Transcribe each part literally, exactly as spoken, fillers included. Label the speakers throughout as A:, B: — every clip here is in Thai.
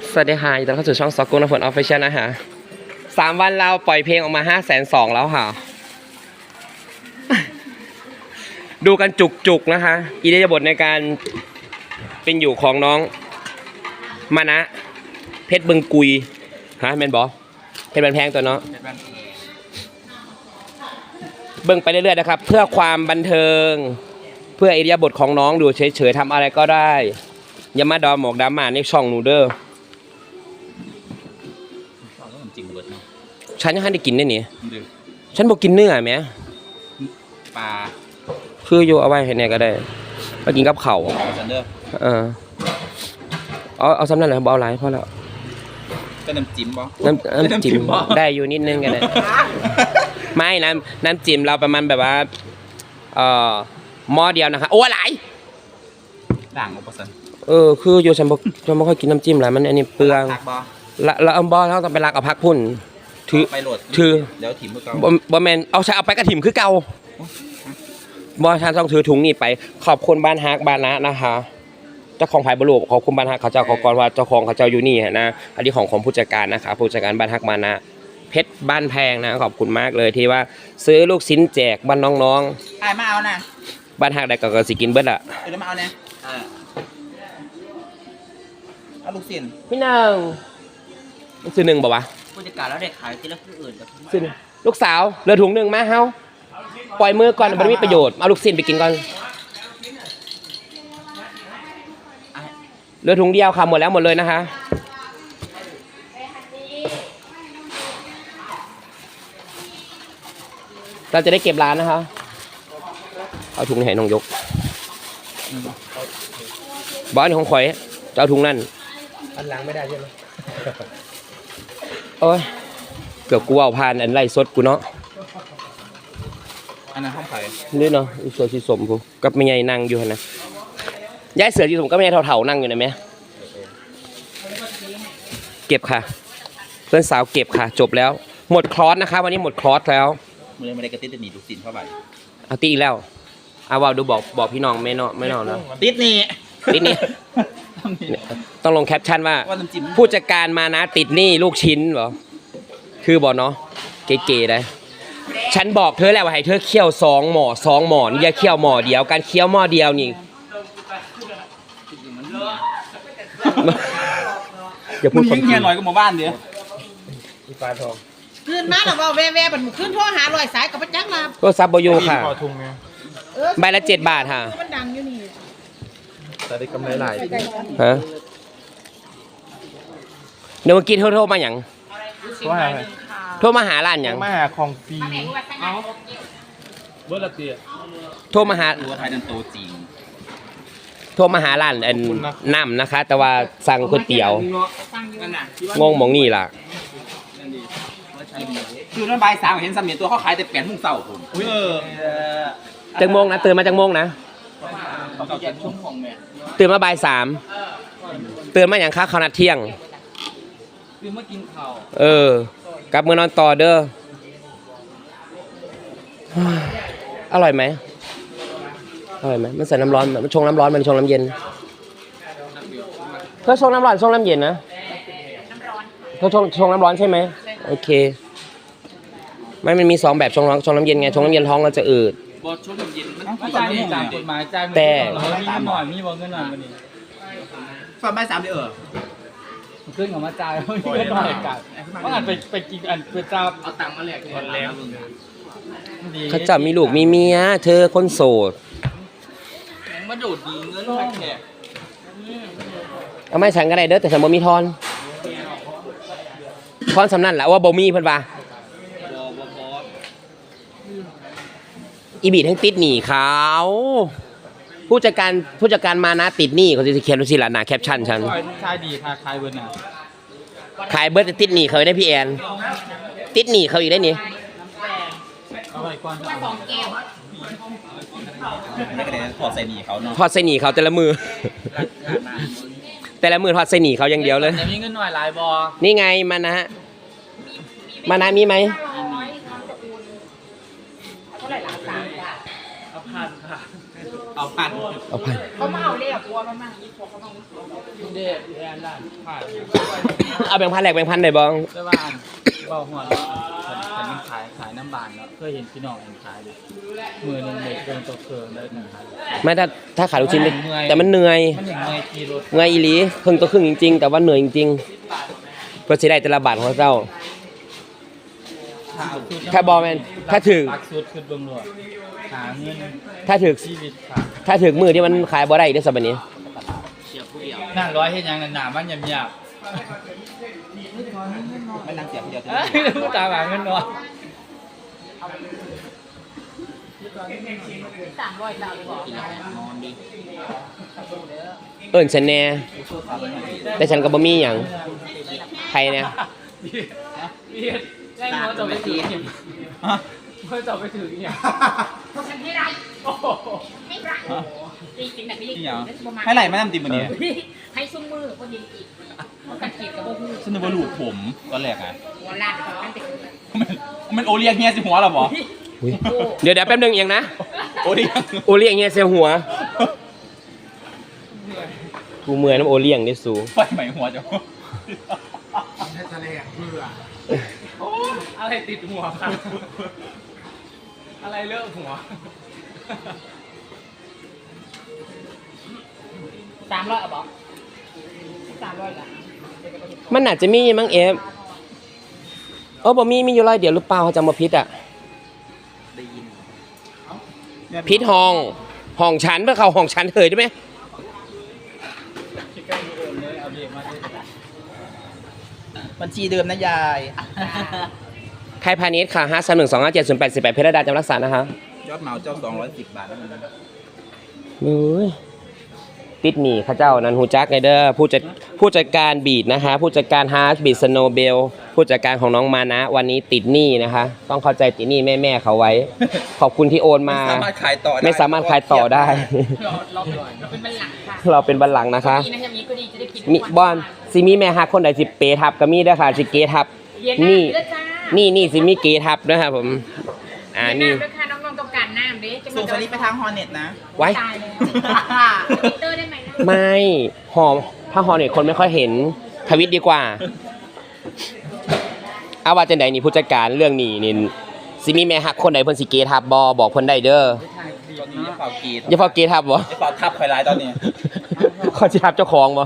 A: สวัสดีค่ะยินดีต้อนรับเข้าสู่ช่องซอกกุ้งน้ำฝนออฟฟิเชียลนะฮะสามวันเราปล่อยเพลงออกมาห้าแสนสองแล้วค่ะ ดูกันจุกๆนะคะอิริยาบถในการเป็นอยู่ของน้องมานะเพชรบึงกุยฮะแมนบอเพชรบันแพงตัวเนาะเบิ่งไปเรื่อยๆนะครับเพื่อความบันเทิงเพื่ออิริยาบถของน้องดูเฉยๆทำอะไรก็ได้อย่ามาดอมหมอกดามาในช่องหนูเด้อฉันยังให้ได้กินได้เนี่ยฉันบอกกินเนื้อไหม
B: ปลา
A: คืออยู่เอาไว้ให้เนี่ยก็ได้มากินกับเข่าเออเอาเอาซ้ำนั่นแหละเอาหลายพอแล้ว
B: ก็น้ำจิ้มบ่
A: น้ำน้ำจิ้มได้อยู่นิดนึงกันเลยไม่น้ำน้ำจิ้มเราประมาณแบบว่าเอ่อหม้อเดียวนะคะโอ้หลาย
B: ด่างอุปสรรค
A: เออคืออยู่ฉันบอกฉันไม่ค่อยกินน้ำจิ้มหลายมันอันนี้เปลืองละละอัมบอลเราต้องไปรักเอาพักพุ่นถือ
B: ไปโหลด
A: ถือ
B: เดี๋ยวถิ่มเพื่อเก่า
A: บอแมนเอาใช้เอาไปกระถิ่มคือเก่าบอฉันต้องถือถุงนี่ไปขอบคุณบ้านฮักบ้านนะนะคะเจ้าของไผ่บรูขอบคุณบ้านฮักเขาเจ้าขอกรว่าเจ้าของเขาเจ้าอยู่นี่นะอันนี้ของของผู้จัดการนะคะผู้จัดการบ้านฮักมานะเพชรบ้านแพงนะขอบคุณมากเลยที่ว่าซื้อลูกชิ้นแจกบ้านน้อง
B: ๆไอ้มาเอานะ
A: บ้านฮักได้ก็สิกินเบิดอ่ะ
B: เดี๋ยวมาเอาเนี่ยเอาลูกชิ้น
A: พี่หนึ่งซื้อหนึ่งบอกว่า
B: ผู้จัดการแล้วเด็กขายที่แล้วคืออื่น
A: ซื้อลูกสาวเหลือถุงหนึ่งมาเฮาปล่อยมือก่อนมันไม่มีประโยชน์เอาลูกชิ้นไปกินก่อนเหลือถุงเดียวค่ะหมดแล้วหมดเลยนะคะเราจะได้เก็บร้านนะคะเอาถุงให้น้องยกบอสของข่อยจะเอาถุงนั่นอันหลังไม่ได้ใช่ไหมโอ้ยเกือบกูเอาผ่านอันไรสดกูเนาะ
B: อันนั้นห้องไผ่
A: นี่เนาะอีเสือสีสมกูกับไม่ใหญ่นั่งอยู่นะย้ายเสือสีสมก็ไม่ใหญ่เถ่าๆนั่งอยู่นะแม่เก็บค่ะเพื่อนสาวเก็บค่ะจบแล้วหมดคลอสนะคะวันนี้หมดคลอสแล้ว
B: มือไม่ได้กระติดจะหนีดูสินเข้าไป
A: เอาตีอีกแล้วเอาว่าดูบอกบอกพี่น้องไม่นอไม่นอนแล้ว
B: ติดนี่
A: ติดนี่ต้องลงแคปชั่นว่าผู้จัดการมานะติดนี่ลูกชิ้นเหรอคือบอกเนาะเก๋ๆได้ฉันบอกเธอแล้วว่าให้เธอเคี่ยวสองหม้อสองหม้ออย่าเคี่ยวหม้อเดียวการเคี่ยวหม้อเดียวนี่อย่าพูดคน
B: เงี้ยหน่อยก็มาบ้านเดี๋ยว
A: มีปลาทอง
C: ขึ้นมาแล้วว่าแว่แว่บันขึ้นโทรหาลอยสายกับพระจักรลา
A: ก็ซับบอยูค่ะใบละเจ็ดบาทค่ะ
C: มันดังอยู่นี่
A: แต่ได้กำไรหลายฮะเดี๋ยวเมื่อกี้โทรโทรมาอย่างโทรมาโทรมาหาร้านอย่าง
D: มาหาของฟรี
A: เบอร์ละเตียโทรมาหา
B: ตัวไทยนันโตจริง
A: โทรมาหาร้านอันน้ำนะคะแต่ว่าสั่งก๋วยเตี๋ยวงงมองนี่ล่ะ
B: คือนั่นใบสามเห็นสามีตัวเขาขายแต่แปดมุ่งเศร้าผมเออ
A: จังโมงนะตื่นมาจังโมงนะตื่นมาบ่ายสามตื่นมาอย่างค้าข้าวนัดเที่ยง
B: ตื่นมากินข้าว
A: เออกลับมือนอนต่อเด้ออร่อยไหมอร่อยไหมมันใส่น้ำร้อนมันชงน้ำร้อนมันชงน้ำเย็นเธอชงน้ำร้อนชงน้ำเย็นนะเธอชงชงน้ำร้อนใช่ไหมโอเคไม่มันมีสองแบบชงร้อนชงน้ำเย็นไงชงน้ำเย็นท้องเราจะอืด
B: บอชงน้ำเย็นมันจ่ายจ่ายกฎหมายจ่าย
A: แต่
D: มีหน่อยมีบอเงินหน่อยมันนี่
B: ฝากใบสามเดือน
D: ขึ้นของมาจ่ายเขาเงินหน่อยกันเพราะอันไปไปกินอันไปจับ
B: เอาตังค์มาแลกก่อนแล้ว
A: เขาจับมีลูกมีเมียเธอคนโสด
B: มาดูดดีเงินไปแขก
A: เอาไม่ฉันก็ได้เด้อแต่ฉันบ่มีทอนทอนสำนันแหละว่าบ่มีเพิ่นว่าอีบีทั้งติดหนีเขาผู้จัดการผู้จัดการมานะติดหนี้เขาจะเขียนไว้สิล่ะหน้าแคปชั่นฉัน
D: ขายดีค่ะขายเบิร์ดน่ะ
A: ขายเบิร์ดติดหนี้เขาได้พี่แอนติดหนี้เขาอีกได้นี่
D: เอาไปก่อน
B: สองแก้วไม่ก็เลยถอดใส่หนีเขาเนาะ
A: ถอดใส่หนีเขาแต่ละมือแต่ละมือถอดใส่หนีเขาอย่างเดียวเลย
D: มีเงินหน่อยหลายบอ
A: นี่ไงมานะมานะมีไหม
D: เอาพันค่ะ
B: เอเอาพัน
A: เอาไป
C: เขามาเอาเลยอ่ะบัวมันมาอีพวกเขามา
D: เด็ดแอนด้านผ่าน
A: เอาแบ่งพันแหลกแบ่งพันได้บ้าง
D: ได้บ้านเบาหัวฉันมันขายขายน้ำบานเนาะเคยเห็นพี่น้องเห็นขายดิมือหนึ่งเด็กเกินตัวเกินได้หนึ่งพัน
A: ไม่ถ้าถ้าขายลูกชิ้นได้แต่มันเหนื่อย
D: มันอย่างเงยกีรถ
A: เหนื่อยอีหลีครึ่งตัวครึ่งจริงๆ แต่ว่าเหนื่อยจริงๆเพื่อจะได้แต่ละบาทของเจ้า ถ้าบอแมนถ้าถึง
D: ตักสุดคือเบิ่งรวดหาเงิน
A: ถ้าถึก
D: ชีวิตค่ะ
A: ถ้าถึกมือที่มันขายบ่ได้อีกได้อสัปดาห์นี้
D: นั่งร้อยเห็นยังหนามันหยาบหยาบ
B: ไม่นั่งเสียบเดียว
D: เอ้ยผู้ตาหาเงินน้อย
C: สามร้อยบาทบอก
B: นอนดี
A: เอิ้นฉันแน่แต่ฉันก็บ่มีหยังใครเนี่ย
D: พี่แรงหัวจะไปถือเนี่ย
B: ฮะ
D: หัวจะไปถือเนี่ย
C: เพราะฉันให้ไร
D: โอ้โห
C: ให้ไรจริงๆแต่ไม่
B: จริงเหรอ
C: ประมาณ
B: ให้ไหลมาน้ำติมมันเนี่ย
C: ให้ซุ้มมือคนยิงอีกเพราะกันขีดกับพวกมือ
B: ฉันนึกว่าลูกผมตอนแรกไง
C: หัวลาดกับนั่นติด
B: มันมันโอเลี้ยงเฮียสิหัวเหรอหมอ
A: อุ๊ยเดี๋ยวเดี๋ยวแป๊บนึงเองนะ
B: โอเลี้ยง
A: โอเลี้ยงเงี้ยเสียหัวกูเมื่อยน้ำโอเลี้ยงนี่สู
B: ไฟใหม่หัวจ้ะ
D: อะไรติดหัวครับอะไรเลอะหัว
C: สามร้อยอ่ะบอกสามร้อยละ
A: มันอาจจะมีมั้งเอฟเออบ่มีมีอยู่ร้อยเดียวหรือเปล่าเขาจำมาพิษอ่ะ
B: ได้ยิน
A: พิษห้องห้องชั้นเพื่อเขาห้องชั้นเถยได้ไหม
D: คิดใกล้ดูเดิมเลยเอาเบียร์มาด้วย
B: บัญชีเดิมนะยาย
A: ไทยพาณิชย์ค่ะห้าสามหนึ่งสองห้าเจ็ดศูนย์แปดสิบแปดเพชรดาจำรักษานะคะ
B: ยอดเหมาเจ้าสองร้อยสิบบาทแล้วมันนะ
A: เฮ้ยติดหนีข้าเจ้านันฮูจักไงเด้อผู้จัดผู้จัดการบีดนะคะ ผู้จัดการฮาร์ดบีดสโนเบลผู้จัดการของน้องมานะ วันนี้ติดหนี้นะคะ ต้องเข้าใจติดหนี้แม่แม่ๆเขาไว้ ขอบคุณที่โอนมา
B: ไม่สามารถขายต่อได้
A: ไม่สามารถขายต่อได้
C: เราเราเราเป็นบัลลังก์ค่ะ
A: เราเป็นบัลลังก์นะคะ
C: ดีนะยังมีก็ดีจะได้กิน
A: มีบอนซิมีแม่ฮักคนใดสิเปทับก็มีเด้อค่ะสิเกทับ
C: เย็นหน้า
A: นี่
C: เด้อจ้า
A: นี่นี่สิมีเกทับนะครับผมอ่า
C: เย็นห
A: นี่
C: น้าด้วยค่ะน้องๆต้องการน้ำเด้จะ
B: ส่งสลิปไปทางฮอร์เน็ตนะ
A: ไว้
C: ตายเลยทวิตเตอร์ได้ไหมนะ
A: ไม่หอมถ้าหอมเนี่ยคนไม่ค่อยเห็นทวิตดีกว่าเอาว่าจังใดนี่ผู้จัดการเรื่องนี้นี่สิมีแม่ฮักคนใดเพิ่นสิเกทับบอบอกเพิ่นได้เด้อ
B: ตอนนี้อย่าเป่ากีด
A: อย่าพอเกทับบ่
B: อย่าเป่าทับข่อยลายตอนนี้
A: เขาสิทับเจ้าของบ่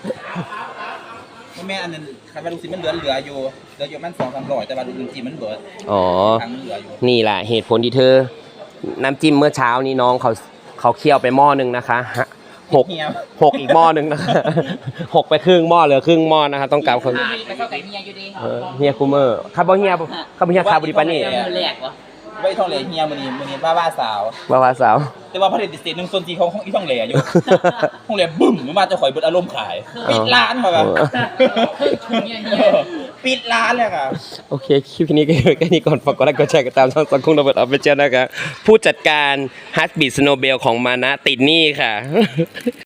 B: แม่อันนั้นคันว่าลูกศิษย์มันเหลือเหลืออยู่เหลืออยู่มันสองสามร้อยแต่ว่าลูกจริงๆมันเบิด
A: อ๋อ
B: ทางมันเหลืออยู่
A: นี่แหละเหตุผลที่เธอ น้ำจิ้มเมื่อเช้านี้น้องเขาเขาเคี่ยวไปหม้อหนึงนะคะฮะหก
B: เฮีย
A: หกอีกหม้อหนึงนะคะ หกไปครึ่งหม้อเหลือครึ่งหม้อนะคะต้องการคน
C: ไปเข้าไก่เมียอยู่ดี
A: เออเฮียคูเมอร์คาร์บอเฮียคาร์บอเฮียคาร์บอดิปานี่
C: แหลกวะ
B: ไว้ท่องเหลเฮียมื้อนี้มื้อนี้บ้าบ้าสาว
A: วาวาสาว
B: แต่ว่าผลิตสินหนึ่งส่วนสี่ของของอีท่องเหลอยู่ ท่องเหลบึ้มมันมาจะข่อยเบิดอารมณ์ขายปิดร้านมาแบบ ปิดร้านเลยค่ะ
A: โอเคคลิปนี้ก็แค่นี้ก่อนฝากกดไลค์กดแชร์กันตามช่องสังคมระเบิดออฟฟิเชียลนะคะผู้จัดการฮัสบีสโนเบลของมานะติดหนี้ค่ะ